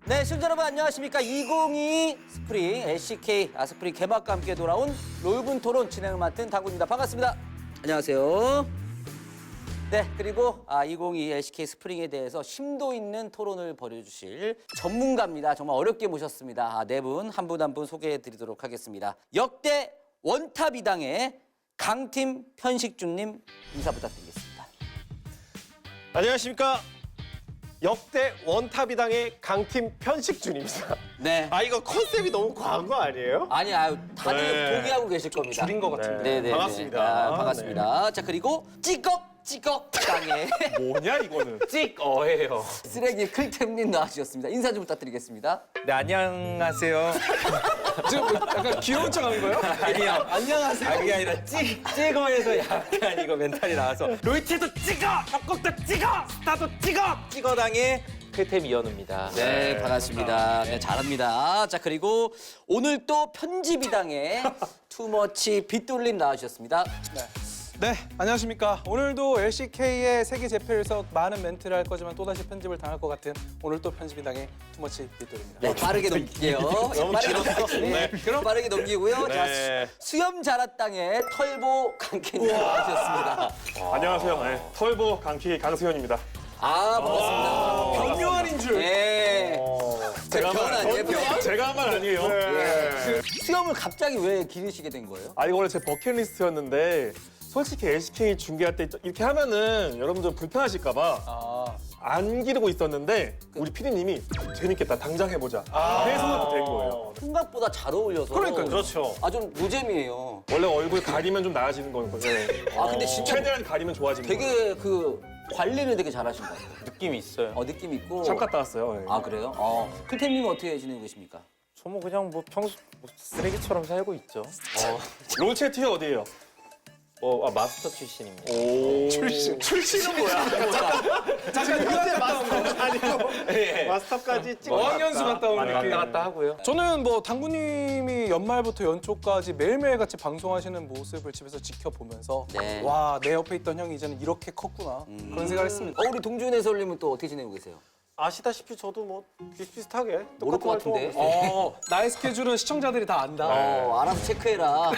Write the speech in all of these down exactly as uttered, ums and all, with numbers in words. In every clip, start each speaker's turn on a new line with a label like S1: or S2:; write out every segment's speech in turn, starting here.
S1: 네, 시청자 여러분 안녕하십니까. 이천이십이 스프링 엘씨케이 아스프링 개막과 함께 돌아온 롤분 토론 진행을 맡은 당구입니다. 반갑습니다. 안녕하세요. 네, 그리고 아, 이천이십이 엘씨케이 스프링에 대해서 심도 있는 토론을 벌여주실 전문가입니다. 정말 어렵게 모셨습니다. 아, 네 분 한 분 한 분 소개해드리도록 하겠습니다. 역대 원탑 이당의 강팀 편식주님 인사 부탁드리겠습니다.
S2: 안녕하십니까. 역대 원탑이당의 강팀 편식준입니다.
S1: 네.
S2: 아 이거 컨셉이 너무 과한 거 아니에요?
S1: 아니, 아유, 다들
S2: 네.
S1: 동의하고 계실 겁니다.
S2: 줄인 것 같은데.
S1: 네, 네,
S2: 반갑습니다.
S1: 네. 아, 반갑습니다. 자, 그리고 찌꺽 찌꺽 땅에
S2: 뭐냐 이거는?
S3: 찍어예요.
S1: 쓰레기 클템님 나와주셨습니다. 인사 좀 부탁드리겠습니다.
S3: 네, 안녕하세요.
S4: 지금 뭐 약간 귀여운 척 하는 거예요?
S3: 아니요.
S1: 안녕하세요.
S3: 아, 그게 아니라 찍, 찍어에서 약간 이거 멘탈이 나와서 로이트도 찍어! 협곡도 찍어! 스타도 찍어! 찍어당의 클템 이현우입니다.
S1: 네, 반갑습니다. 네, 잘합니다. 자, 그리고 오늘 또 편집이당의 투머치 빗돌림 나와주셨습니다.
S4: 네, 안녕하십니까. 오늘도 엘씨케이의 세계 재패에서 많은 멘트를 할 거지만 또다시 편집을 당할 것 같은 오늘 또 편집이당의 투머치 빗돌입니다.
S1: 네, 빠르게 넘길게요. 빠르게 넘기고, 네, 그럼 빠르게 넘기고요. 자,
S2: 네.
S1: 수- 수염 자라 땅의 털보 강캐님 나와주셨습니다.
S5: 안녕하세요. 네, 털보 강키 강수현입니다.
S1: 아, 반갑습니다.
S4: 경요한인 줄.
S1: 예. 제가 변 아니에요, 변?
S5: 제가 한 말 아니에요.
S1: 예. 수염을 갑자기 왜 기르시게 된 거예요?
S5: 아 이거 원래 제 버킷리스트였는데 솔직히 엘씨케이 중계할 때 이렇게 하면은 여러분들 불편하실까봐
S4: 아,
S5: 안 기르고 있었는데 우리 피디님이 재밌겠다 당장 해보자. 그래서 된 거예요.
S1: 생각보다 잘 어울려서.
S4: 그러니까요.
S2: 그렇죠.
S1: 아, 좀 노잼이에요.
S5: 원래 얼굴 가리면 좀 나아지는 거거든요.
S1: 아, 근데 진짜
S5: 최대한 가리면 좋아지는 거예요.
S1: 되게 그 관리를 되게 잘하신 것 같아요.
S3: 느낌이 있어요.
S1: 어, 느낌 있고.
S5: 참 갔다 왔어요. 네.
S1: 아, 그래요? 어. 클템님은 어떻게 지내고 계십니까?
S3: 저 뭐 그냥 뭐 평소 뭐 쓰레기처럼 살고 있죠.
S5: 롤체 티어 어디예요?
S3: 어, 아, 마스터 출신입니다.
S5: 오. 출신. 출신은 뭐야?
S4: 잠깐 유학 갔다 온 거.
S2: 아니고
S3: 예.
S2: 마스터까지 찍어.
S4: 어학연수 갔다 온
S3: 많이
S4: 느낌.
S3: 왔다 갔다 하고요.
S4: 저는 뭐 당구님이 연말부터 연초까지 매일매일 같이 방송하시는 모습을 집에서 지켜보면서
S1: 네.
S4: 와, 내 옆에 있던 형이 이제는 이렇게 컸구나. 그런 생각을 했습니다.
S1: 어, 우리 동준 해설님은 또 어떻게 지내고 계세요?
S2: 아시다시피 저도 뭐 비슷비슷하게
S1: 모를
S2: 똑같은
S1: 것 같은데.
S2: 활동하고 있어요.
S4: 어, 나의 스케줄은 시청자들이 다 안다.
S1: 어, 알아서 체크해라. 어.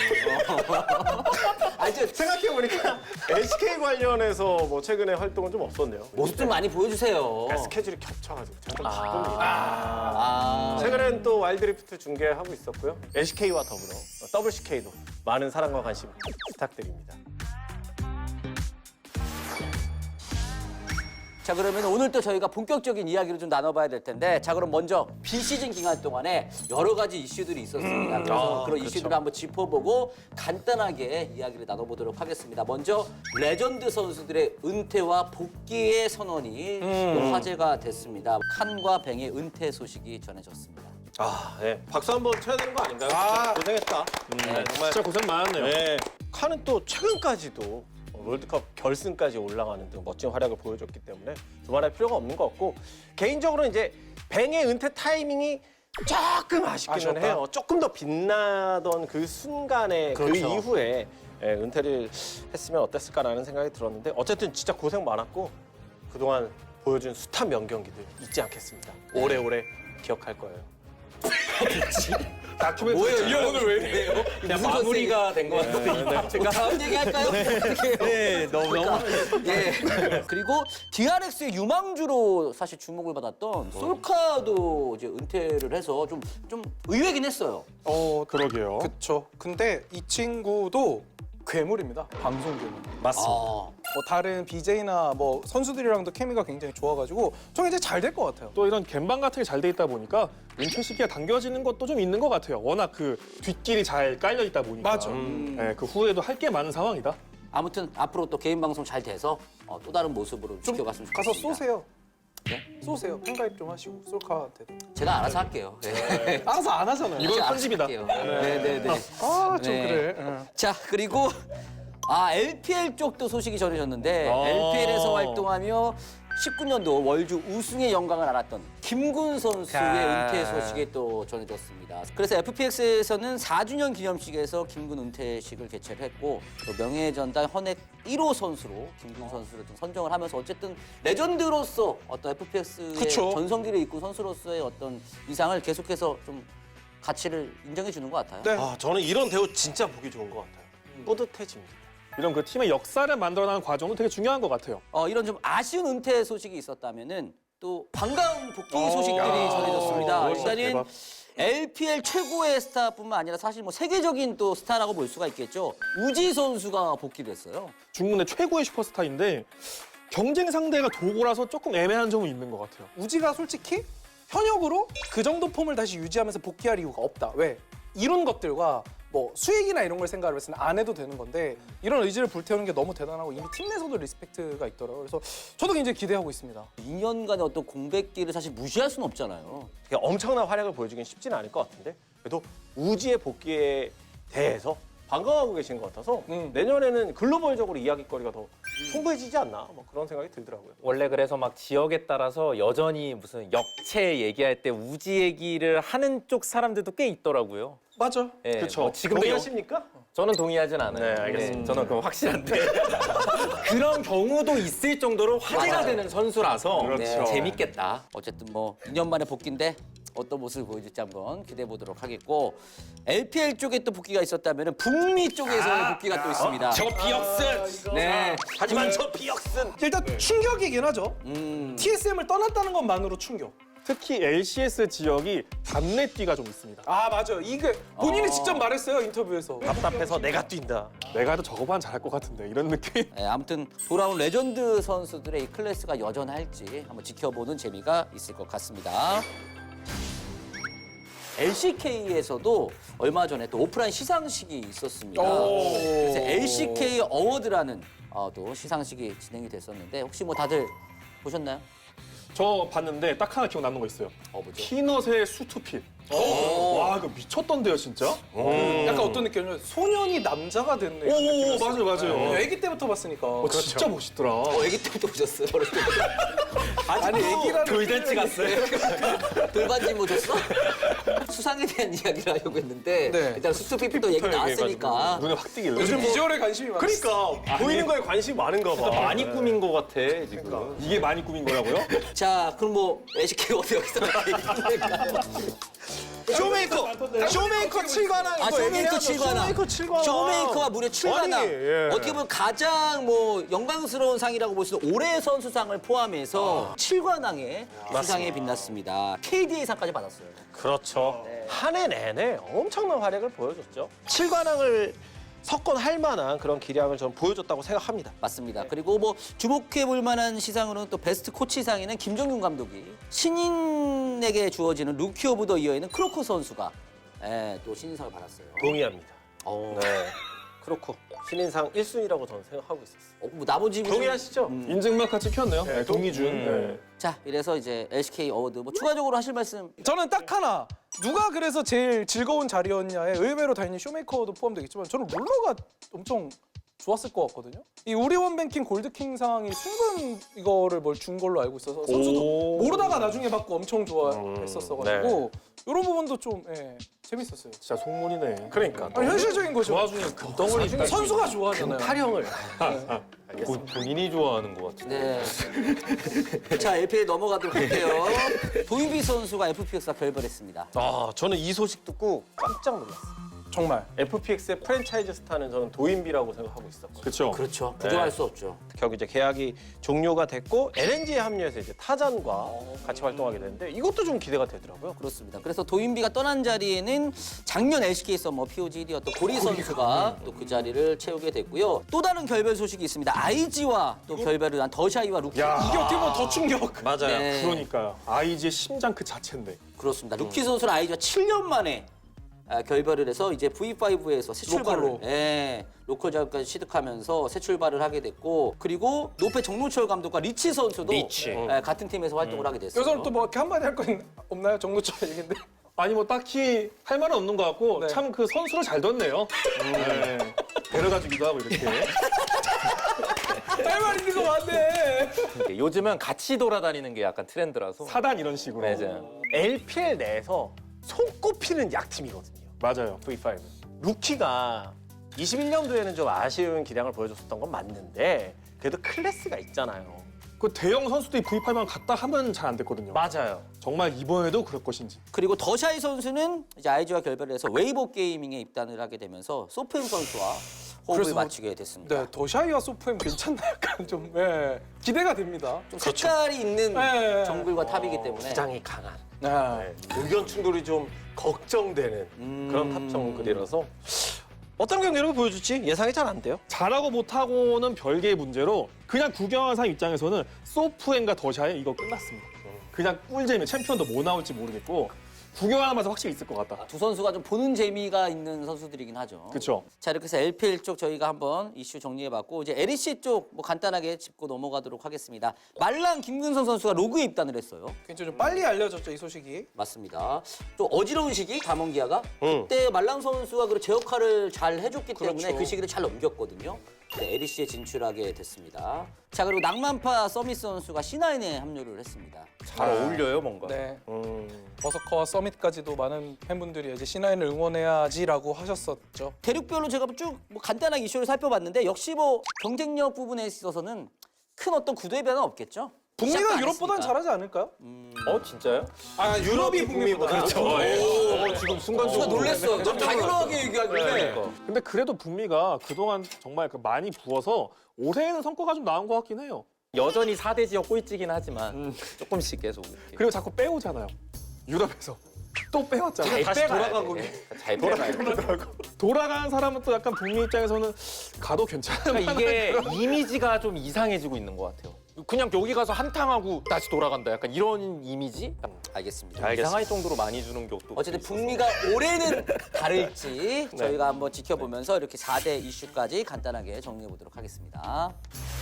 S1: 아니, 저
S2: 생각해보니까 엘씨케이 관련해서 뭐 최근에 활동은 좀 없었네요.
S1: 모습 좀 많이 보여주세요.
S2: 그러니까 스케줄이 겹쳐가지고 제가 좀 바쁩니다.
S1: 아.
S2: 최근엔 또 와일드리프트 중계하고 있었고요. 엘씨케이와 더불어 더블씨케이도 많은 사랑과 관심 부탁드립니다.
S1: 자, 그러면 오늘 또 저희가 본격적인 이야기를 좀 나눠봐야 될 텐데, 자, 그럼 먼저 비시즌 기간 동안에 여러 가지 이슈들이 있었습니다. 그래서
S2: 아,
S1: 그런
S2: 그렇죠.
S1: 이슈들을 한번 짚어보고 간단하게 이야기를 나눠보도록 하겠습니다. 먼저 레전드 선수들의 은퇴와 복귀의 선언이 또 화제가 됐습니다. 칸과 뱅의 은퇴 소식이 전해졌습니다.
S2: 아, 네. 박수 한번 쳐야 되는 거 아닌가요?
S4: 아.
S2: 진짜 고생했다. 네, 정말
S5: 진짜 고생 많았네요.
S2: 네. 칸은 또 최근까지도 롤드컵 결승까지 올라가는 등 멋진 활약을 보여줬기 때문에 두말할 필요가 없는 것 같고 개인적으로 이제 뱅의 은퇴 타이밍이 조금 아쉽기는
S4: 아쉬웠다.
S2: 해요. 조금 더 빛나던 그 순간에 그
S4: 그렇죠.
S2: 이후에 예, 은퇴를 했으면 어땠을까라는 생각이 들었는데 어쨌든 진짜 고생 많았고 그동안 보여준 숱한 명경기들 잊지 않겠습니다. 오래오래 기억할 거예요.
S1: 뭐예요?
S4: 이 형 오늘 왜 이래요?
S3: 그냥 마무리가 된 것 같아요.
S1: 제가 다음 얘기 할까요? 어떻게 해요?
S3: 네, 너무 너무
S1: 예. 그리고 디알엑스의 유망주로 사실 주목을 받았던 솔카도 이제 은퇴를 해서 좀, 좀 의외긴 했어요.
S4: 어,
S5: 그러게요.
S4: 그쵸. 근데 이 친구도 괴물입니다. 방송 괴물.
S2: 맞습니다.
S1: 아,
S4: 뭐 다른 비제이나 뭐 선수들이랑도 케미가 굉장히 좋아가지고 좀 이제 잘 될 것 같아요.
S5: 또 이런 갬방 같은 게 잘 돼 있다 보니까 은퇴 시기가 당겨지는 것도 좀 있는 것 같아요. 워낙 그 뒷길이 잘 깔려 있다 보니까.
S4: 맞아.
S5: 네, 그 후에도 할 게 많은 상황이다.
S1: 아무튼 앞으로 또 개인 방송 잘 돼서 어, 또 다른 모습으로
S4: 좀
S1: 지켜갔으면
S4: 가서
S1: 좋겠습니다.
S4: 쏘세요.
S1: 네?
S4: 쏘세요. 팬가입 좀 하시고 솔카한테도.
S1: 제가 알아서 할게요. 네.
S4: 알아서 안 하잖아요.
S5: 이건
S1: 알아서
S5: 편집이다.
S1: 할게요. 네, 네, 네.
S4: 아, 좀
S1: 네.
S4: 그래. 응.
S1: 자, 그리고 아 엘피엘 쪽도 소식이 전해졌는데
S5: 어.
S1: 엘피엘에서 활동하며 십구 년도 월주 우승의 영광을 알았던 김군 선수의
S3: 아.
S1: 은퇴 소식이 또 전해졌습니다. 그래서 에프피엑스에서는 사 주년 기념식에서 김군 은퇴식을 개최를 했고 또 명예전당 헌액 일 호 선수로 김군 선수를 좀 선정을 하면서 어쨌든 레전드로서 어떤 에프피엑스의
S4: 그쵸.
S1: 전성기를 이끈 선수로서의 어떤 위상을 계속해서 좀 가치를 인정해 주는 것 같아요.
S4: 네.
S2: 아, 저는 이런 대우 진짜 보기 좋은 것 같아요. 뿌듯해집니다.
S5: 이런 그 팀의 역사를 만들어나가는 과정도 되게 중요한 것 같아요.
S1: 어, 이런 좀 아쉬운 은퇴 소식이 있었다면은 또 반가운 복귀
S5: 어,
S1: 소식들이
S5: 야,
S1: 전해졌습니다.
S5: 어,
S1: 일단은
S5: 대박.
S1: 엘피엘 최고의 스타뿐만 아니라 사실 뭐 세계적인 또 스타라고 볼 수가 있겠죠. 우지 선수가 복귀를 했어요.
S5: 중국의 최고의 슈퍼스타인데 경쟁 상대가 도고라서 조금 애매한 점은 있는 것 같아요.
S4: 우지가 솔직히 현역으로 그 정도 폼을 다시 유지하면서 복귀할 이유가 없다. 왜? 이런 것들과 뭐 수익이나 이런 걸 생각을 했을 때 안 해도 되는 건데 이런 의지를 불태우는 게 너무 대단하고 이미 팀 내에서도 리스펙트가 있더라고요. 그래서 저도 굉장히 기대하고 있습니다.
S1: 이 년간의 어떤 공백기를 사실 무시할 수는 없잖아요.
S2: 되게 엄청난 활약을 보여주긴 쉽지는 않을 것 같은데 그래도 우지의 복귀에 대해서 반가워하고 계신 것 같아서
S4: 음.
S2: 내년에는 글로벌적으로 이야기거리가 더 풍부해지지 않나 뭐 그런 생각이 들더라고요.
S3: 원래 그래서 막 지역에 따라서 여전히 무슨 역체 얘기할 때 우지 얘기를 하는 쪽 사람들도 꽤 있더라고요.
S4: 맞아.
S3: 예,
S5: 그쵸.
S3: 뭐 지금도 여-
S2: 동의하십니까?
S3: 저는 동의하진 않아요.
S2: 네, 알겠습니다.
S3: 예, 저는 그건 확실한데 그런 경우도 있을 정도로 화제가
S1: 맞아요.
S3: 되는 선수라서
S5: 그렇죠.
S3: 네, 재밌겠다.
S1: 어쨌든 뭐 이 년 만에 복귀인데 어떤 모습을 보여줄지 한번 기대해 보도록 하겠고 엘피엘 쪽에 또 복귀가 있었다면 북미 쪽에서의 복귀가 또 있습니다.
S3: 저 비역슨.
S1: 네.
S3: 하지만 저 비역슨.
S4: 일단 충격이긴 하죠.
S1: 음.
S4: 티에스엠을 떠났다는 것만으로 충격.
S5: 특히 엘씨에스 지역이 답례띠가 좀 있습니다.
S4: 아 맞아요. 이게 본인이 직접 말했어요 인터뷰에서.
S2: 답답해서 내가 뛴다.
S5: 내가 해도 저거만 잘할 것 같은데 이런 느낌.
S1: 네, 아무튼 돌아온 레전드 선수들의 이 클래스가 여전할지 한번 지켜보는 재미가 있을 것 같습니다. 엘씨케이에서도 얼마 전에 또 오프라인 시상식이 있었습니다.
S4: 오.
S1: 그래서 엘씨케이 어워드라는 어, 또 시상식이 진행이 됐었는데 혹시 뭐 다들 보셨나요?
S5: 저 봤는데 딱 하나 기억 남는 거 있어요.
S1: 어 뭐죠?
S5: 피넛의 수투핏. 와 이거 미쳤던데요 진짜?
S4: 약간 어떤 느낌이냐면 소년이 남자가 됐네. 이런
S5: 오,
S4: 느낌이었어요.
S5: 맞아요, 맞아요.
S4: 네, 아기 때부터 봤으니까.
S5: 어, 진짜 멋있더라.
S1: 어, 애기 때부터 보셨어요? 어렸을 때부터?
S4: 아니 애기라는
S3: 돌잔치 갔어요.
S1: 돌반지 뭐 줬어? 수상에 대한 이야기를 하려고 했는데
S4: 네.
S1: 일단 수트피플도 얘기 나왔으니까
S5: 눈에 확 띄길래.
S4: 요즘 비주얼에 관심이 많아.
S2: 그러니까 보이는 거에 관심이 많은가 봐.
S3: 많이 꾸민 것 같아 지금.
S5: 이게 많이 꾸민 거라고요?
S1: 자 그럼 뭐 엘씨케이 어디 여기서 얘기할까요?
S2: 쇼메이커! 쇼메이커 칠관왕
S1: 아,
S2: 이거
S1: 쇼메이커
S2: 얘기해야죠.
S1: 칠관왕.
S2: 쇼메이커 칠관왕.
S1: 쇼메이커가 무려 칠관왕.
S2: 아니, 예.
S1: 어떻게 보면 가장 뭐 영광스러운 상이라고 볼 수 있는 올해의 선수상을 포함해서 칠관왕의 수상에 빛났습니다. 케이디에이상까지 받았어요.
S2: 그렇죠. 한 해 내내 엄청난 활약을 보여줬죠. 칠관왕을 석권할 만한 그런 기량을 전 보여줬다고 생각합니다.
S1: 맞습니다. 그리고 뭐 주목해 볼 만한 시상으로는 또 베스트 코치상에는 김정균 감독이 신인에게 주어지는 루키 오브 더 이어에는 크로코 선수가 예, 또 신인상을 받았어요.
S2: 동의합니다.
S1: 어,
S2: 네. 그렇고 신인상 일 순위라고 저는 생각하고 있었어요.
S1: 어, 뭐 나머지 좀-
S2: 동의하시죠?
S1: 음.
S5: 인증마카 찍혔네요. 네, 동의준. 네.
S1: 자, 이래서 이제 엘씨케이 어워드 뭐 추가적으로 하실 말씀
S4: 저는 딱 하나. 누가 그래서 제일 즐거운 자리였냐에 의외로 당연히 쇼메이커도 포함되겠지만 저는 룰러가 엄청 좋았을 것 같거든요. 이 우리원 뱅킹 골드킹 상이 순간 이거를 뭘 준 걸로 알고 있어서 선수도
S5: 오.
S4: 모르다가 나중에 받고 엄청 좋아했었어가지고 이런 부분도 좀 예, 재밌었어요.
S5: 진짜 속물이네.
S2: 그러니까
S4: 아니, 현실적인 거죠.
S5: 좋아 중에 금덩어리 있다.
S4: 선수가 좋아하잖아요.
S2: 타령을.
S3: 본- 본인이 좋아하는 것 같은데.
S1: 네. 자, 엘피엘 넘어가도록 할게요. 도인비 선수가 에프피엑스와 결별했습니다.
S2: 아, 저는 이 소식 듣고 깜짝 놀랐어요.
S4: 정말.
S2: 에프피엑스의 프랜차이즈 스타는 저는 도인비라고 생각하고 있었거든요.
S5: 그렇죠.
S1: 그렇죠. 부정할 수 없죠.
S2: 결국 이제 계약이 종료가 됐고 엘엔지에 합류해서 이제 타잔과 같이 활동하게 되는데 이것도 좀 기대가 되더라고요.
S1: 그렇습니다. 그래서 도인비가 떠난 자리에는 작년 엘씨케이 썸머 피오지 일 위였던 고리 선수가 또 그 자리를 채우게 됐고요. 또 다른 결별 소식이 있습니다. 아이지와 또 결별을 한 더샤이와 루키.
S5: 야.
S4: 이게 어떻게 보면 더 충격.
S2: 맞아요.
S1: 네.
S5: 그러니까요. 아이지의 심장 그 자체인데.
S1: 그렇습니다. 루키 선수는 아이지와 칠 년 만에 아, 결별을 해서 이제 브이파이브에서 새 출발을
S4: 로컬로.
S1: 예, 로컬 자격까지 취득하면서 새 출발을 하게 됐고 그리고 노페 정노철 감독과 리치 선수도
S2: 리치.
S1: 예, 같은 팀에서 활동을 하게 됐어요.
S4: 여기서는 또 뭐 이렇게 한마디 할 거 없나요? 정도처럼 얘기인데.
S5: 아니 뭐 딱히 할 말은 없는 것 같고
S4: 네.
S5: 참 그 선수를 잘 뒀네요. 네. 데려가주기도 하고 이렇게.
S4: 할 말 있는 거 맞네.
S3: 싶은 게 요즘은 같이 돌아다니는 게 약간 트렌드라서.
S5: 사단 이런 식으로.
S3: 맞아요.
S2: 엘피엘 내에서 손꼽히는 약팀이거든요.
S5: 맞아요.
S2: 브이 파이브. 루키가 이십일 년도에는 좀 아쉬운 기량을 보여줬었던 건 맞는데 그래도 클래스가 있잖아요.
S5: 그 대형 선수들이 브이 파이브만 갔다 하면 잘 안 됐거든요.
S2: 맞아요.
S5: 정말 이번에도 그럴 것인지.
S1: 그리고 더샤이 선수는 이제 아이지와 결별을 해서 웨이보 게이밍에 입단을 하게 되면서 소프엠 선수와 호흡을
S4: 그래서-
S1: 맞추게 됐습니다.
S4: 네, 더샤이와 소프엠 괜찮나 약간 좀 예, 기대가 됩니다.
S1: 좀 색깔이 있는
S4: 네.
S1: 정글과 탑이기 때문에
S2: 주장이 강한
S4: 네.
S2: 네, 의견 충돌이 좀 걱정되는
S1: 음.
S2: 그런 탑 정글이라서 어떤 경기력을 보여줄지 예상이 잘 안 돼요.
S5: 잘하고 못하고는 별개의 문제로 그냥 구경하는 사람 입장에서는 소프엠과 더샤이 이거 끝났습니다. 그냥 꿀잼이 챔피언도 뭐 나올지 모르겠고 구경하는 맛은 확실히 있을 것 같다.
S1: 두 선수가 좀 보는 재미가 있는 선수들이긴 하죠.
S5: 그렇죠.
S1: 자, 이렇게 해서 엘피엘 쪽 저희가 한번 이슈 정리해봤고 이제 엘이씨 쪽 뭐 간단하게 짚고 넘어가도록 하겠습니다. 말랑 김근성 선수가 로그에 입단을 했어요.
S4: 굉장히 좀 빨리 알려졌죠 이 소식이.
S1: 맞습니다. 좀 어지러운 시기 담원기아가
S2: 응.
S1: 그때 말랑 선수가 그 제 역할을 잘 해줬기 때문에
S4: 그렇죠.
S1: 그 시기를 잘 넘겼거든요. 네, 엘이씨에 진출하게 됐습니다. 자, 그리고 낭만파 서미스 선수가 씨나인에 합류를 했습니다.
S3: 잘 어울려요 뭔가.
S4: 네.
S2: 음,
S4: 버서커와 서밋까지도 많은 팬분들이 이제 씨나인을 응원해야지라고 하셨었죠.
S1: 대륙별로 제가 쭉 뭐 간단하게 이슈를 살펴봤는데 역시 뭐 경쟁력 부분에 있어서는 큰 어떤 구도의 변화는 없겠죠.
S4: 북미가
S1: 시작도 안
S4: 유럽보단
S1: 했으니까.
S4: 잘하지 않을까요?
S3: 어 진짜요?
S4: 아 유럽이 북미보다.
S2: 그렇죠.
S3: 어, 지금 순간적으로
S1: 놀랬어. 좀 당연하게 얘기하길래.
S5: 근데 그래도 북미가 그동안 정말 그 많이 부어서 올해는 성과가 좀 나온 것 같긴 해요.
S3: 여전히 사 대 지역 꼴찌긴 하지만 조금씩 계속 이렇게.
S5: 그리고 자꾸 빼오잖아요. 유럽에서. 또 빼왔잖아요.
S3: 다시 돌아가고 잘 돌아가요.
S5: 돌아가는 사람은 또 약간 북미 입장에서는 가도 괜찮은
S3: 그러니까 이게 이미지가 좀 이상해지고 있는 것 같아요. 그냥 여기 가서 한탕하고 다시 돌아간다. 약간 이런 이미지?
S1: 알겠습니다.
S3: 이상할 정도로 많이 주는 게 또.
S1: 어쨌든 북미가 올해는 다를지 저희가 한번 지켜보면서 이렇게 사 대 이슈까지 간단하게 정리해 보도록 하겠습니다.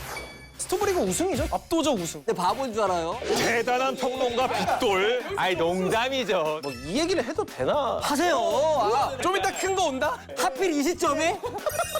S4: 스토브리그 우승이죠. 압도적 우승.
S1: 근데 바보인 줄 알아요?
S5: 대단한 평론가 빗돌.
S3: 아이 농담이죠.
S2: 뭐 이 얘기를 해도 되나?
S1: 하세요. 아,
S4: 좀 이따 큰 거 온다.
S1: 하필 이 시점에?